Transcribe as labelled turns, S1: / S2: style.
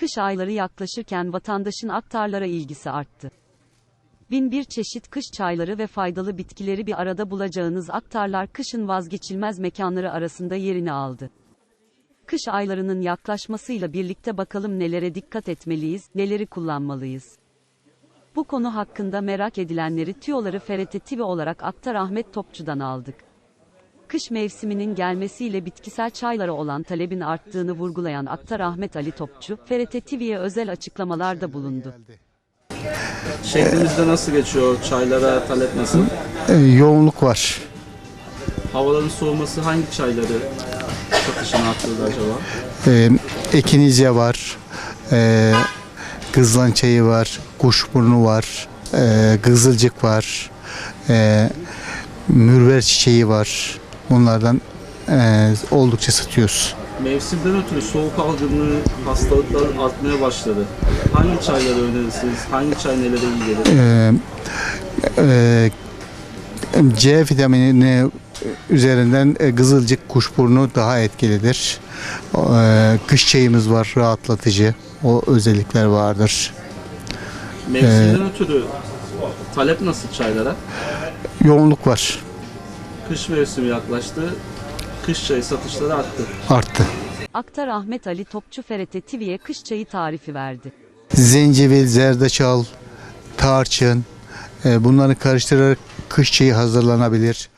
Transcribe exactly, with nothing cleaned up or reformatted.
S1: Kış ayları yaklaşırken vatandaşın aktarlara ilgisi arttı. Bin bir çeşit kış çayları ve faydalı bitkileri bir arada bulacağınız aktarlar kışın vazgeçilmez mekanları arasında yerini aldı. Kış aylarının yaklaşmasıyla birlikte bakalım nelere dikkat etmeliyiz, neleri kullanmalıyız. Bu konu hakkında merak edilenleri tüyoları F R T T V olarak Aktar Ahmet Topçu'dan aldık. Kış mevsiminin gelmesiyle bitkisel çaylara olan talebin arttığını vurgulayan Aktar Ahmet Ali Topçu, F R T T V'ye özel açıklamalarda bulundu.
S2: Şehrimizde nasıl geçiyor? Çaylara talep nasıl?
S3: E, yoğunluk var.
S2: Havaların soğuması hangi çayları satışını arttırdı acaba?
S3: E, Ekinizya var. E, Kızılan çayı var. Kuşburnu var. E, Kızılcık var. E, Mürver çiçeği var. Bunlardan e, oldukça satıyoruz.
S2: Mevsimden ötürü soğuk algınlığı, hastalıklar artmaya başladı. Hangi çayları önerirsiniz? Hangi çay nelere iyi gelir?
S3: E, e, C vitamini üzerinden e, Kızılcık, kuşburnu daha etkilidir. E, kış çayımız var, rahatlatıcı. O özellikler vardır.
S2: Mevsimden ee, ötürü talep nasıl çaylara?
S3: Yoğunluk var.
S2: Kış mevsimi yaklaştı. Kış çayı satışları arttı.
S3: Arttı.
S1: Aktar Ahmet Ali Topçu F R T T V'ye kış çayı tarifi verdi.
S3: Zencefil, zerdeçal, tarçın, e, bunları karıştırarak kış çayı hazırlanabilir.